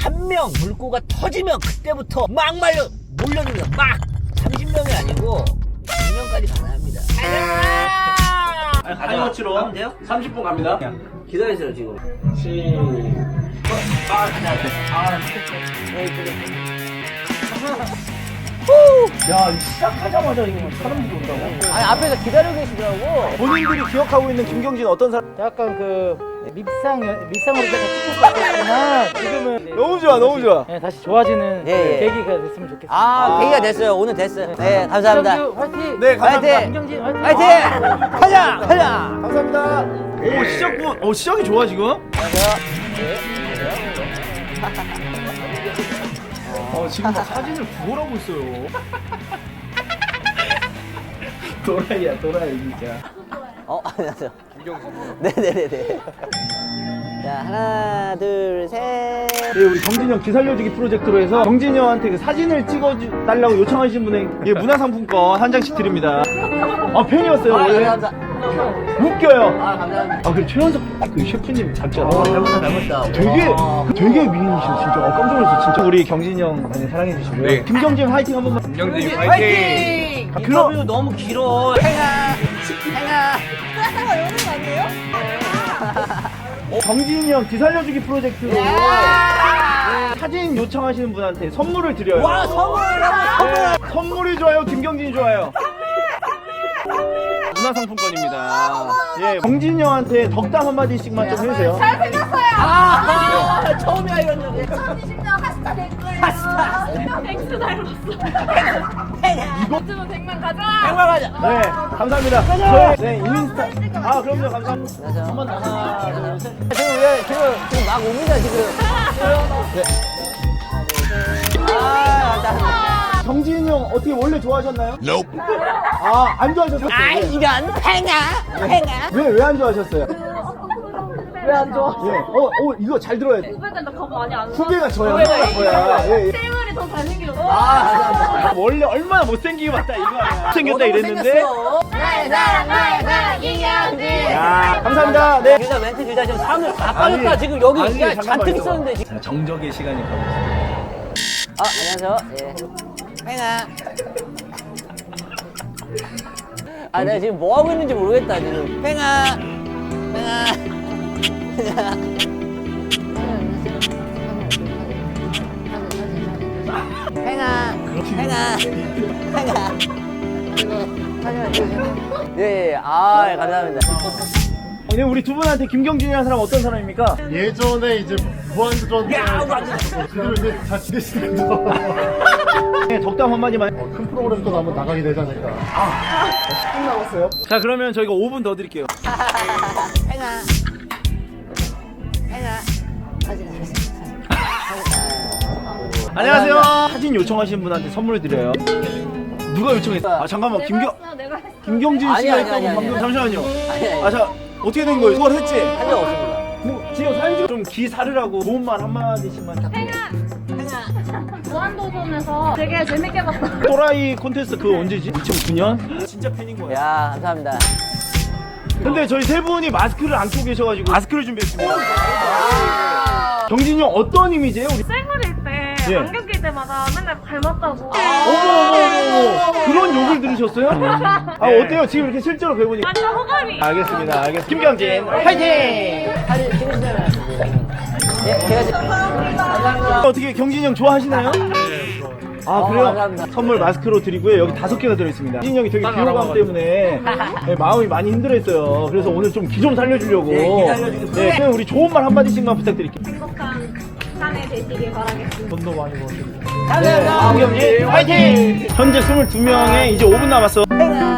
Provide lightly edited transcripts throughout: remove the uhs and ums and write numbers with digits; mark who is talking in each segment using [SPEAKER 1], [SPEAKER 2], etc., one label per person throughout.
[SPEAKER 1] 한 명 물고가 터지면 그때부터 막 몰려듭니다. 막 30명이 아니고 100명까지 가능합니다.
[SPEAKER 2] 타이머치로
[SPEAKER 1] 하면 돼요?
[SPEAKER 2] 30분 갑니다.
[SPEAKER 1] 기다리세요 지금.
[SPEAKER 3] 야, 시작하자마자 이거 사람들이 온다고.
[SPEAKER 1] 아니 앞에서 기다리고 계시더라고.
[SPEAKER 3] 본인들이 기억하고 있는 김경진 어떤 사람?
[SPEAKER 4] 약간 그 밉상으로 계속 찍혔었지만 지금은
[SPEAKER 3] 너무 좋아, 너무 좋아.
[SPEAKER 4] 네, 다시 좋아지는
[SPEAKER 1] 예, 예.
[SPEAKER 4] 계기가 됐으면 좋겠습니다.
[SPEAKER 1] 아 계기가 됐어요. 오늘 됐어요. 네 감사합니다.
[SPEAKER 4] 김경주 화이팅!
[SPEAKER 3] 네, 감사합니다.
[SPEAKER 1] 화이팅!
[SPEAKER 4] 김경진 화이팅!
[SPEAKER 1] 화이팅! 가자! 가자!
[SPEAKER 3] 감사합니다. 오, 시작부, 시작이 좋아 지금. 지금 막 사진을 구걸하고 있어요. 도라이야, 도라이 진짜.
[SPEAKER 1] 안녕하세요. 네네네네. 자 하나 둘 셋.
[SPEAKER 3] 예, 우리 경진이 형 기살려주기 프로젝트로 해서 경진이 형한테 그 사진을 찍어달라고 요청하신 분에게 예, 문화상품권 한 장씩 드립니다. 팬이었어요, 원래.
[SPEAKER 1] 감사합니다.
[SPEAKER 3] 웃겨요.
[SPEAKER 1] 감사합니다.
[SPEAKER 3] 그 최현석 그 셰프님 닮잖아.
[SPEAKER 1] 닮았다.
[SPEAKER 3] 되게 미인이시고 진짜 깜짝 놀랐어 진짜. 우리 경진이 형 많이 사랑해 주시고요.
[SPEAKER 2] 네.
[SPEAKER 3] 김경진 화이팅 한 번만.
[SPEAKER 2] 김경진
[SPEAKER 1] 화이팅! 인터뷰 너무 길어. 행아.
[SPEAKER 3] 경진이 형 기살려주기 프로젝트로 사진 요청하시는 분한테 선물을 드려요.
[SPEAKER 1] 와 선물.
[SPEAKER 3] 선물이 좋아요, 김경진이 좋아요. 문화상품권입니다. 예, 경진이 형한테 덕담 한마디씩만 좀 해주세요.
[SPEAKER 1] 아 처음이야 이런 적.
[SPEAKER 5] 2020년 하스타 될 거예요. 엑스 닮았어. 유튜브 100만 가자.
[SPEAKER 1] 정말 가자.
[SPEAKER 3] 네, 감사합니다. 저희 네, 인스타. 그럼요, 감사합니다. 한번 하나, 둘, 셋.
[SPEAKER 1] 지금 막 옵니다 지금.
[SPEAKER 3] 네.
[SPEAKER 1] 감사합니다.
[SPEAKER 3] 경진이 형 어떻게 원래 좋아하셨나요? 안 좋아하셨어요?
[SPEAKER 1] 이런 행아.
[SPEAKER 3] 왜 안 좋아하셨어요?
[SPEAKER 5] 왜 안 좋아?
[SPEAKER 3] 예, 이거 잘 들어야 돼.
[SPEAKER 5] 후배들 나겁 많이 안 나.
[SPEAKER 3] 후배가 저야.
[SPEAKER 1] 후배가
[SPEAKER 3] 저야. 예, 예.
[SPEAKER 5] 실물이 더 잘생겼어.
[SPEAKER 1] 감사합니다.
[SPEAKER 3] 원래 얼마나 못생기게 봤다 이거 아니야. 못생겼다 이랬는데.
[SPEAKER 5] 나의 사랑 이경진.
[SPEAKER 3] 야, 감사합니다. 네.
[SPEAKER 1] 둘다 멘트 둘다 지금 사람들 다
[SPEAKER 3] 아니,
[SPEAKER 1] 빠졌다. 지금 여기
[SPEAKER 3] 아니,
[SPEAKER 1] 야,
[SPEAKER 3] 잠깐만,
[SPEAKER 1] 잔뜩
[SPEAKER 3] 잠깐만.
[SPEAKER 1] 있었는데 지금.
[SPEAKER 3] 자, 정적의 시간이 가보겠습니다.
[SPEAKER 1] 안녕하세요. 예. 행아. 내가 지금 뭐 하고 있는지 모르겠다 지금. 행아. 예, 감사합니다.
[SPEAKER 3] 네, 우리 두 분한테 김경진이라는 사람 어떤 사람입니까?
[SPEAKER 6] 예전에 이제 무한도전 지금 이제 다 지내시는데
[SPEAKER 3] 네, 덕담 한마디만.
[SPEAKER 6] 큰 프로그램도 한번 나가게 되지 않을까. 10분 남았어요.
[SPEAKER 3] 자, 그러면 저희가 5분 더 드릴게요. 안녕하세요. 사진 요청하신 분한테 선물 드려요. 누가 요청했어? 잠깐만,
[SPEAKER 5] 내가 했어.
[SPEAKER 3] 김경진
[SPEAKER 1] 아니,
[SPEAKER 3] 씨가
[SPEAKER 1] 아니,
[SPEAKER 3] 했다고
[SPEAKER 1] 아니,
[SPEAKER 3] 방금.
[SPEAKER 1] 아니.
[SPEAKER 3] 잠시만요.
[SPEAKER 1] 아니.
[SPEAKER 3] 자, 어떻게 된 거예요? 그걸 했지?
[SPEAKER 1] 한 적 없습니다.
[SPEAKER 3] 지금 사진 좀 기사르라고 좋은 말 한마디씩만 부탁드려요.
[SPEAKER 5] 무한도전에서 되게 재밌게 봤어.
[SPEAKER 3] 또라이 콘테스트 그거 언제지? 2009년? 진짜 팬인 거예요.
[SPEAKER 1] 야, 감사합니다.
[SPEAKER 3] 근데 저희 세 분이 마스크를 안 끼고 계셔가지고 마스크를 준비했습니다. 경진이 형 어떤 이미지예요? 우리?
[SPEAKER 5] 쌩얼일 때
[SPEAKER 3] 예.
[SPEAKER 5] 안경 낄 때마다 맨날 닮았다고.
[SPEAKER 3] 어머 그런 욕을 들으셨어요? 어때요? 지금 이렇게 실제로 뵈보니까.
[SPEAKER 5] 완전 호감이.
[SPEAKER 3] 알겠습니다. 김경진 화이팅!
[SPEAKER 1] 사진 찍으시면 예, 제가 지금
[SPEAKER 3] 어떻게 경진이 형 좋아하시나요? 그래요?
[SPEAKER 1] 감사합니다.
[SPEAKER 3] 선물 마스크로 드리고요. 여기 5개가 들어있습니다. 경진이 형이 되게 비호감 때문에 마음이 많이 힘들어했어요. 그래서 오늘 좀 기 좀 살려주려고.
[SPEAKER 1] 네, 기 살려주세요.
[SPEAKER 3] 네, 그냥 우리 좋은 말 한마디씩만 부탁드릴게요.
[SPEAKER 5] 행복한 산에 되시길 바라겠습니다.
[SPEAKER 3] 돈도 많이 버시고.
[SPEAKER 1] 감사합니다.
[SPEAKER 3] 김경진 화이팅! 현재 22명에 이제 5분 남았어.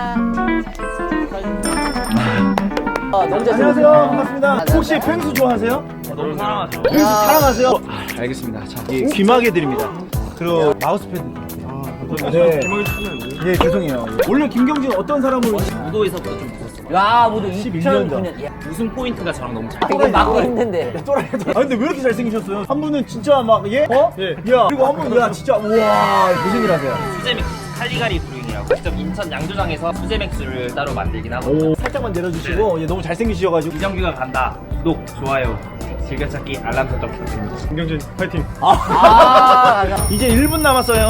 [SPEAKER 1] 너무 잘
[SPEAKER 3] 안녕하세요. 반갑습니다. 혹시 펭수 좋아하세요?
[SPEAKER 2] 너무 사랑하죠.
[SPEAKER 3] 펭수 사랑하세요? 알겠습니다. 자, 귀마개 드립니다. 그리고 마우스패드. 네. 예, 죄송해요. 원래 김경진 어떤 사람으로
[SPEAKER 2] 무도에서부터 좀 무섭어.
[SPEAKER 1] 야, 모두
[SPEAKER 3] 11년
[SPEAKER 1] 2009년. 야,
[SPEAKER 2] 우승 포인트가 저랑 너무 잘.
[SPEAKER 1] 이거 막고 있는데.
[SPEAKER 3] 근데 왜 이렇게 잘생기셨어요? 한 분은 진짜 막 예? 야, 그리고 한 분은 야 진짜 우와 무슨 일 하세요?
[SPEAKER 2] 수제맥 칼리가리 브루잉이라고 직접 인천 양조장에서 수제맥주를 따로 만들긴 하고.
[SPEAKER 3] 살짝만 내려주시고 너무 잘생기셔가지고
[SPEAKER 2] 이정규가 간다. 구독, 좋아요. 즐겨찾기 알람 설정 부탁드립니다.
[SPEAKER 6] 김경진 파이팅.
[SPEAKER 3] 이제 1분 남았어요.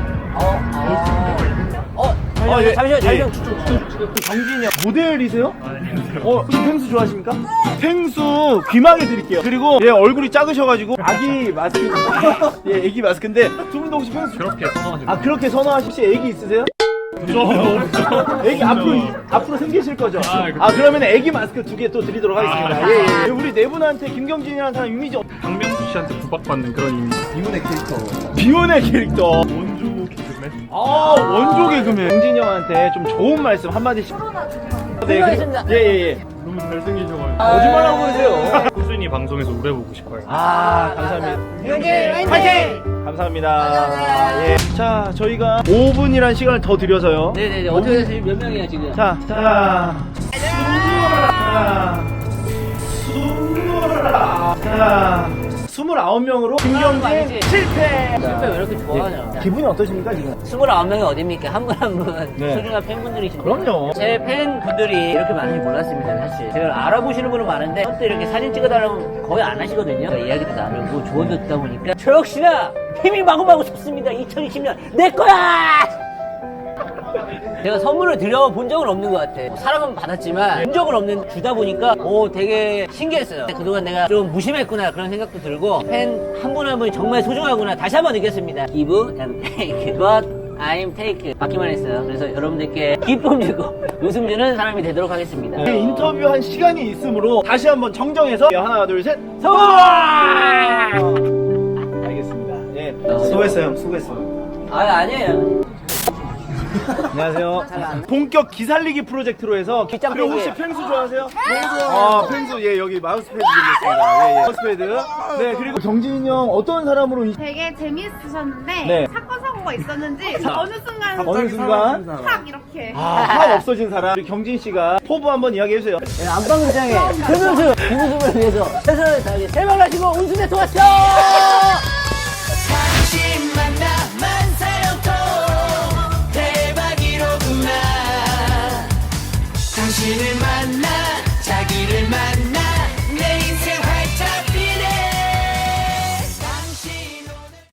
[SPEAKER 1] 잠시만요.
[SPEAKER 3] 정진이 형 모델이세요? 혹시 펭수 좋아하십니까? 펭수 귀마개 드릴게요. 그리고 얘 얼굴이 작으셔가지고 아기 마스크. 예, 애기 마스크인데 두 분도 혹시 펭수
[SPEAKER 6] 그렇게 선호하시고.
[SPEAKER 3] 아 그렇게 선호하시 혹시 애기 있으세요? 애기 앞으로 생기실 거죠? 그러면 애기 마스크 2개 또 드리도록 하겠습니다. 예. 우리 네 분한테 김경진이라는 사람 이미지
[SPEAKER 6] 박명수 씨한테 구박받는 그런 이미지.
[SPEAKER 3] 비운의 캐릭터.
[SPEAKER 6] 원조 개그맨.
[SPEAKER 3] 원조 개그맨. 경진이 형한테 좀 좋은 말씀 한마디씩. 네,
[SPEAKER 1] 하겠습니다.
[SPEAKER 3] 예.
[SPEAKER 6] 너무 잘생기셔가지고.
[SPEAKER 3] 거짓말하고 그러세요.
[SPEAKER 6] 꾸준히 방송에서 오래 보고 싶어요.
[SPEAKER 3] 감사합니다.
[SPEAKER 1] 김경진
[SPEAKER 3] 파이팅! 감사합니다. 예. 자, 저희가 5분이란 시간을 더 드려서요.
[SPEAKER 1] 네네네. 어떻게 되세요? 몇 명이에요 지금?
[SPEAKER 3] 자. 자, 29명으로 김경진
[SPEAKER 1] 아니지?
[SPEAKER 3] 실패!
[SPEAKER 1] 실패 왜 이렇게 좋아하냐?
[SPEAKER 3] 기분이 어떠십니까, 지금?
[SPEAKER 1] 29명이 어딥니까? 한 분 한 분
[SPEAKER 3] 네.
[SPEAKER 1] 소중한 팬분들이신데
[SPEAKER 3] 그럼요.
[SPEAKER 1] 제 팬분들이 이렇게 많은지 몰랐습니다 사실. 제가 알아보시는 분은 많은데 또 이렇게 사진 찍어달라고 거의 안 하시거든요. 이야기도 나누고 조언도 듣다 보니까 저 역시나 힘이 마구마구 섰습니다. 2020년 내 거야! 제가 선물을 드려본 적은 없는 것 같아. 사랑은 받았지만 본 적은 없는 주다 보니까 되게 신기했어요. 그동안 내가 좀 무심했구나 그런 생각도 들고 팬 한 분 한 분이 정말 소중하구나 다시 한번 느꼈습니다. Give and take, but I'm take 받기만 했어요. 그래서 여러분들께 기쁨 주고 웃음 주는 사람이 되도록 하겠습니다.
[SPEAKER 3] 네, 인터뷰한 시간이 있으므로 다시 한번 정정해서 하나, 둘, 셋.
[SPEAKER 1] 성공!
[SPEAKER 3] 알겠습니다. 예. 수고했어요. 수고했어요.
[SPEAKER 1] 아니에요.
[SPEAKER 3] 안녕하세요. 본격 기살리기 프로젝트로 해서
[SPEAKER 1] 빗장
[SPEAKER 3] 그리고
[SPEAKER 1] 빼기.
[SPEAKER 3] 혹시 펭수 좋아하세요? 펭수 예 여기 마우스패드 드리겠습니다. 예. 마우스패드. 네 그리고 경진이 형 어떤 사람으로
[SPEAKER 5] 되게 재미있으셨는데
[SPEAKER 3] 네.
[SPEAKER 5] 사건 사고가 있었는지
[SPEAKER 3] 어느 순간
[SPEAKER 5] 탁 이렇게
[SPEAKER 3] 확 없어진 사람 우리 경진 씨가 포부 한번 이야기해 주세요.
[SPEAKER 1] 안방극장에 최선수 김우승을 위해서 최선을 다하게 대박나시고 웃음에 도왔죠.
[SPEAKER 7] 당신만 나만 살려도 대박이로구나. 당신을 만나 자기를 만나